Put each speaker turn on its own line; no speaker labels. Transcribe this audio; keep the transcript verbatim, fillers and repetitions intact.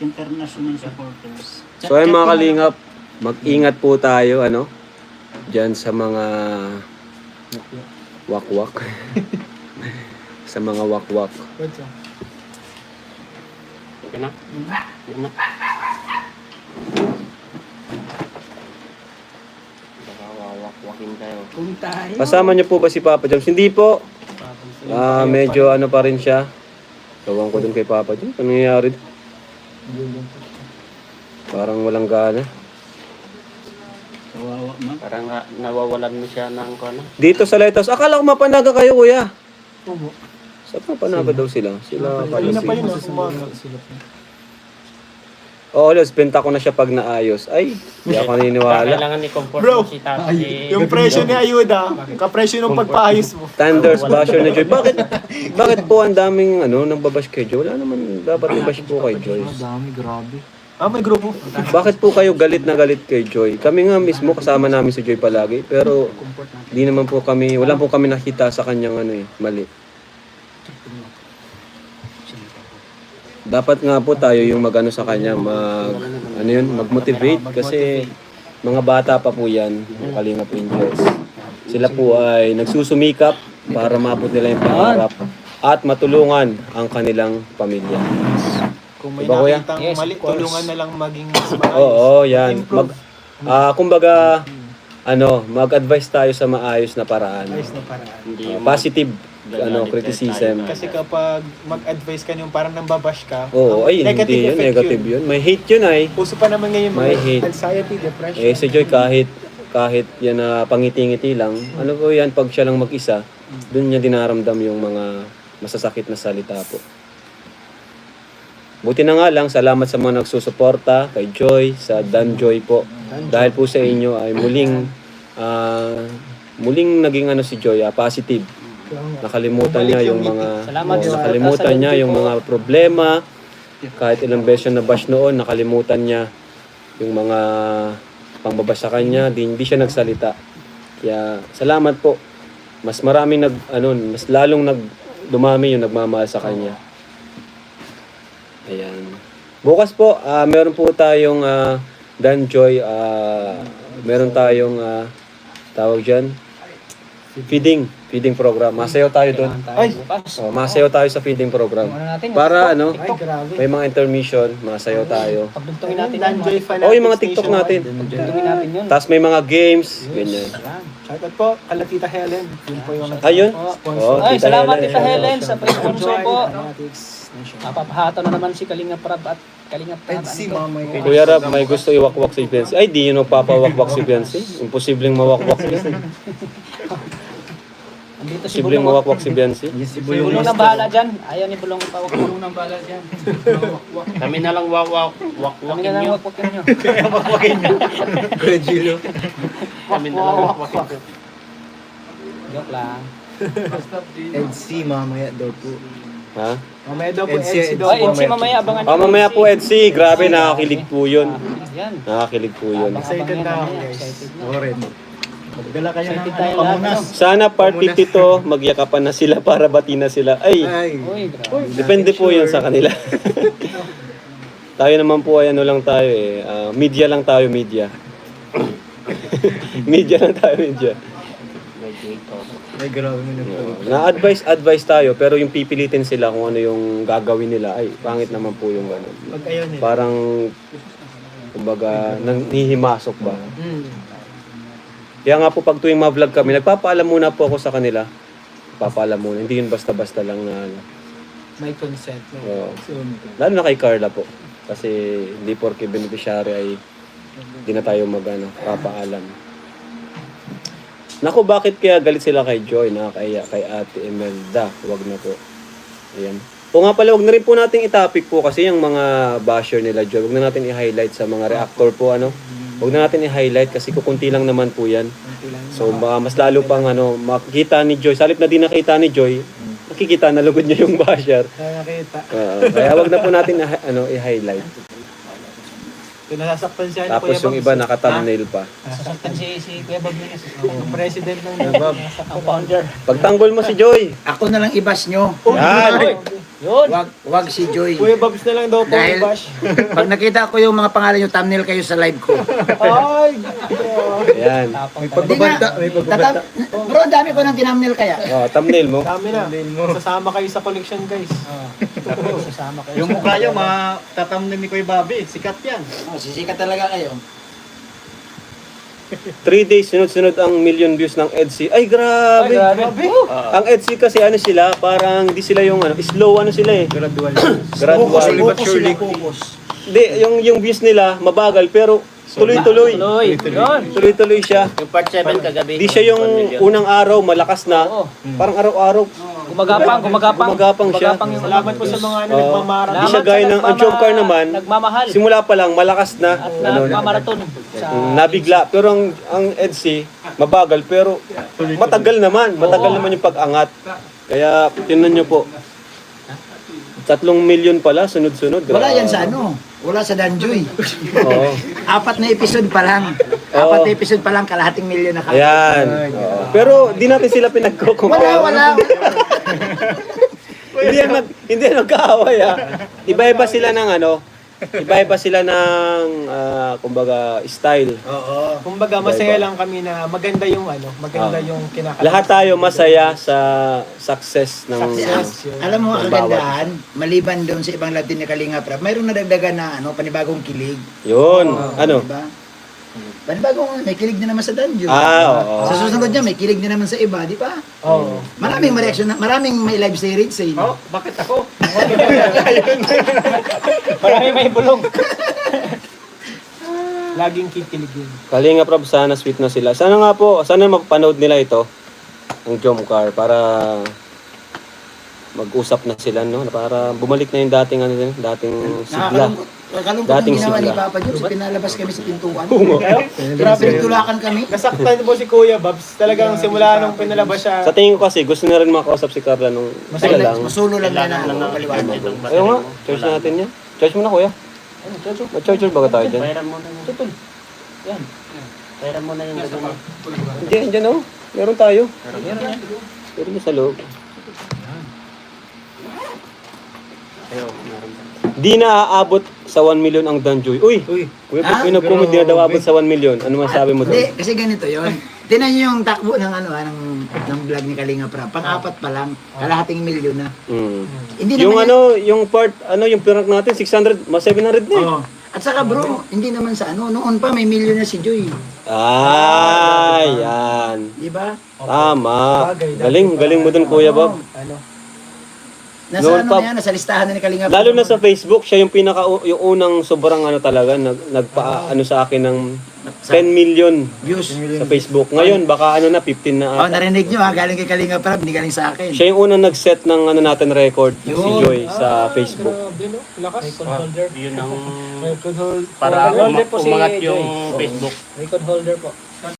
international supporters.
So ay mga kalingap, mag-ingat po tayo ano diyan sa mga wakwak. Sa mga wakwak.
Okay na? Okay na? Baka wawak-wakin tayo.
Kung tayo.
Kasama niyo po ba si Papa James? Hindi po. Ah, medyo ano pa rin siya. Tawang ko dun kay Papa James. Ano nangyayari? Parang walang gana.
Kawawa man.
Parang nga, nawawalan mo siya ng ano.
Dito sa Lighthouse, akala ko mapanaga kayo, kuya.
Oo.
Sa mapanaga daw sila. Sila pala
Kanina pa
si...
yun, ah, umaga.
Oo, Los, benta ko na siya pag naayos. Ay, hindi ako naniniwala.
Kailangan ni comfort
Bro,
mo si Tati.
Yung presyo ni Ayuda, kapresyo ng pagpaayos mo.
Thunders basher na Joy. Bakit, bakit po ang daming ano, nang babash kay Joy? Wala naman dapat i-bash po kay Joy.
Dami, grabe. Ah, may grupo.
Bakit po kayo galit na galit kay Joy? Kami nga mismo, kasama namin si Joy palagi. Pero, di naman po kami, wala po kami nakita sa kanyang ano eh, mali. Dapat nga po tayo yung magano sa kanya, mag, ano yun, mag-motivate. Kasi, mga bata pa po yan, yung Kalingap Angels. Sila po ay nagsusumikap para maabot nila yung pangarap at matulungan ang kanilang pamilya.
Kung may
Diba, kuya?
nakitang
Yes,
mali,
of course.
tulungan na lang maging mas maayos.
Oo, yan. Mag,
Improve.
ah, kumbaga, ano, mag-advise tayo sa maayos na paraan.
Ayos na paraan.
Hindi
Ah,
mo-
positive ano,
Gagalit
criticism.
tayo.
Kasi kapag mag-advise ka yung parang nambabash ka,
Oo,
ang
ay, hindi yun,
effect
negative yun. May hate yun ay.
Uso pa naman ngayon
May
mga
hate.
anxiety, depression.
Eh, si Joy kahit, kahit yan na pangiti-ngiti lang, ano po yan, pag siya lang mag-isa, dun niya dinaramdam yung mga masasakit na salita po. Buti na nga lang, salamat sa mga nagsusuporta kay Joy, sa Dan Joy po. Dahil po sa inyo ay muling, ah, muling naging ano si Joy, ah, positive. Nakalimutan niya yung mga
Salamat
oh,
sa-
nakalimutan
sa-
niya yung mga problema. Kahit ilang beses na bash noon, nakalimutan niya yung mga pangbabash sa kanya, di hindi siya nagsalita. Kaya salamat po. Mas maraming nag ano, mas lalong nag dumami yung nagmamahal sa kanya. Ayan. Bukas po, ah, meron po tayong ah, Dan Joy, ah, meron tayong ah, tawag diyan, feeding, feeding program. Masayaw tayo doon.
Ay!
Oh, masayaw tayo sa feeding program.
natin,
Para ano,
Ay, grabe.
may mga intermission, masayaw tayo.
Pagdugtungin natin
Dan Joy Fanatics
Oh, yung mga TikTok natin.
nationwide.
Pagdugtungin natin yun.
Tapos may mga games, ganyan.
Shoutout po, kala Tita Helen. Yun po yung
Ayun.
sponsor.
Oh,
Ay,
Tita
salamat
Helen.
Tita Helen sa pre-sponsor po.
Fanatics Nation.
Napapahato na naman si Kalinga Prab at Kalinga Prab.
Si
Ano to?
Mama
Kuya Rab, may gusto iwakwak si Fiancé. Ay, di yun magpapawakwak si Fiancé. Imposibleng mawakwak si Fiancé.
Andito si
Imposibleng
Bulong.
mawakwak si Fiancé.
Si Bulong ng bahala dyan. Ayaw ni Bulong ipawak. Bulong ng bahala dyan.
Kami na lang wawak
Kami
wak-wakin
na lang
nyo.
wakwakin nyo.
Kami na lang wak-wakin.
Joke lang.
N C mamaya daw po.
Ha?
Mamaya daw po,
N C
N C daw
Ay,
po.
N C mamaya abangan
Oh, mamaya po, Edsi. Grabe, nakakilig po yun.
Yan.
Nakakilig po yun.
Excited na ako, guys.
Excited na.
Ako rin. Magdala kayo ng
Excited
ano,
tayo lahat.
pamunas.
no?
Sana part fifty-two, magyakapan na sila para bati na sila. Ay,
Ay.
Uy, grabe.
depende po yun sa kanila. Tayo naman po ay ano lang tayo eh. ah, media lang tayo, media. Media lang tayo, media.
Ay, grabe mo na po.
Na-advise, advice tayo, pero yung pipilitin sila kung ano yung gagawin nila, ay, pangit naman po yung gano'n.
Pag ayaw nila.
Parang, kumbaga, nanghihimasok ba?
Mm.
Kaya nga po, pag tuwing ma-vlog kami, nagpapaalam muna po ako sa kanila. Nagpapaalam muna, hindi yun basta-basta lang na, ano.
May consent. No?
Oo.
So,
Lalo na kay Carla po. Kasi, hindi porke beneficiary ay, hindi na tayo mag, ano, papaalam. Naku, bakit kaya galit sila kay Joy, na kay, kay Ate Imelda? Huwag na po. Ayan. O nga pala, wag na rin po nating i-topic po kasi yung mga basher nila Joy. Wag na natin i-highlight sa mga reactor po, ano. Wag na natin i-highlight kasi kukunti lang naman po yan. So, baka mas lalo pang, ano, makikita ni Joy. Salip na di nakita ni Joy, nakikita na lugod niya yung basher.
kaya nakita.
Oo. Kaya wag na po natin na, ano, i-highlight.
Kung nasasaktan siya, ano,
Tapos
Kuya
yung
Babs?
iba naka-thumbnail pa.
Sasaktan si, si Kuya Bob Nunes.
Yung president ng
Bob.
Ang founder.
Pagtanggol mo si Joy.
Ako na lang i-bash nyo.
Oh,
Yan.
Uy!
Yun.
Wag, wag si Joy.
Kuya Babs na lang daw po
Dahil-
i-bash.
Pag nakita ko yung mga pangalan nyo, thumbnail kayo sa live ko.
Ay!
Ayan.
Tapang
May
talaga.
pagbabanta, may pagbabanta.
Tatam- Bro, ang dami ko ng tinamnil kaya.
Oh, thumbnail mo.
Dami na. Sasama kayo sa collection, guys.
Sasama kayo.
Yung mukha nyo, matatamnan ni Kuya Bobby. Sikat yan.
Oh, sisikat talaga kayo.
Three days, sunod-sunod ang million views ng Etsy. Ay,
Ay,
grabe.
grabe.
Ang Etsy kasi ano sila, parang di sila yung ano, slow ano sila eh.
Gradual.
Gradual.
Focus sila, focus.
Hindi, yung, yung views nila, mabagal, pero tuloy-tuloy.
Tuloy. Yun.
Tuloy-tuloy siya.
Yung part seven kagabi.
Di siya yung
one million.
unang araw, malakas na.
Oo.
Parang araw-araw.
Gumagapang, gumagapang.
Gumagapang siya.
Gumagapang yung
Salamat po sa mga ano,
Oo.
nagmamarathon.
Di siya
Salamat
gaya
sa
ng
nagmama-
Jomcar naman.
Nagmamahal.
Simula pa lang, malakas na.
At
Ano,
nagmamarathon. Sa...
mm, nabigla. Pero ang, ang Etsy, mabagal. Pero matagal naman. Matagal naman yung pag-angat. Kaya, tinan nyo po. Tatlong milyon pala, sunod-sunod.
Wala
Grabe.
yan sa ano. Wala sa Danjoy.
Oo.
Apat na episode pa lang. Apat na episode pa lang, kalahating milyon na ka.
Ayan. Oo. Pero di natin sila pinagkukumpara.
Wala, wala.
hindi yan mag, hindi yan magkaaway ah. Iba-iba sila ng ano, iba-iba sila ng ah, kumbaga style.
Oo.
Kumbaga, masaya lang kami na maganda yung ano, maganda
Ah.
yung kinakanta.
Lahat tayo masaya sa success ng
Success. Yun.
Alam mo ang
Ang bawat
kagandahan, maliban doon sa ibang Latin na Kalinga Prab, mayroong nadagdagan na ano, panibagong kilig.
Yun. Ano?
Diba? Panibagong, may kilig na naman sa Danjoy.
Ah, oo.
Sa susunod niya, may kilig na naman sa iba, di ba?
Oo.
Maraming reaction, na, maraming may live series sa inyo.
Oh, bakit ako?
Marami may bulong.
Laging kikiligin.
Kalinga Prab, sana sweet na sila. Sana nga po, sana mapanood nila ito, ang Jomcar, para mag-usap na sila, no? Para bumalik na yung dating, ano, dating sigla.
Nakakalungkot. Kalungkot
Dating
yung ginawa ni
sigla.
Papa Jones, pinalabas kami sa pintuan. Grabe, nagtulakan kami.
Nasaktan po si Kuya Babs. Talagang simula nung pinalabas siya.
Sa tingin ko kasi, gusto na rin makausap si Carla nung sila lang.
Masulo lang na
Kailangan lang
na
ng
paliwanag.
ng battery
Ayaw nga,
mo.
charge natin yan. Charge mo na, kuya. Ma-charger ba tayo dyan?
Pairan mo na yun.
Tutol. Yan.
Pairan mo na yung gagawin mo.
Hindi, andyan oh. Meron tayo.
Meron yan.
Meron niya sa loob.
Ayaw, meron pa.
Di na aabot sa one million ang Danjoy. Uy!
Uy,
Kuya,
Ah,
pag may nag-comment, di na daw aabot sa one million. Ano masabi mo
Hindi,
doon?
kasi ganito yon. Tinan niyo yung takbo ng ano ah, ng, ng vlog ni Kalinga Prab. Pang-apat pa lang, kalahating milyon na.
Mm.
Hindi
Yung
naman
ano, yung part, ano, yung prank natin, six hundred, mas seven hundred na eh.
Oo. At saka bro, hindi naman sa ano, noon pa may milyon na si Joy.
Ay, yan.
Di ba?
Tama. Galing, galing mo doon, Kuya Bob.
Ano?
Nasa
Noon
ano
pa-
na yan, nasa listahan na ni Kalinga Prab.
Lalo na sa Facebook, siya yung pinaka yung unang sobrang ano talaga nag nagpa ano sa akin ng ten million
views.
sa Facebook. Ngayon baka ano na fifteen
Oh,
na ata.
narinig nyo ha, galing kay Kalinga Prab, hindi galing sa akin.
Siya yung unang nag-set ng ano natin record si
Yun.
Joy sa Facebook.
Grabe no? Lakas.
Record holder.
Yun ang
Record hold.
para
Record holder
uma-
po si
umangat
Joy.
yung Facebook.
Record holder po.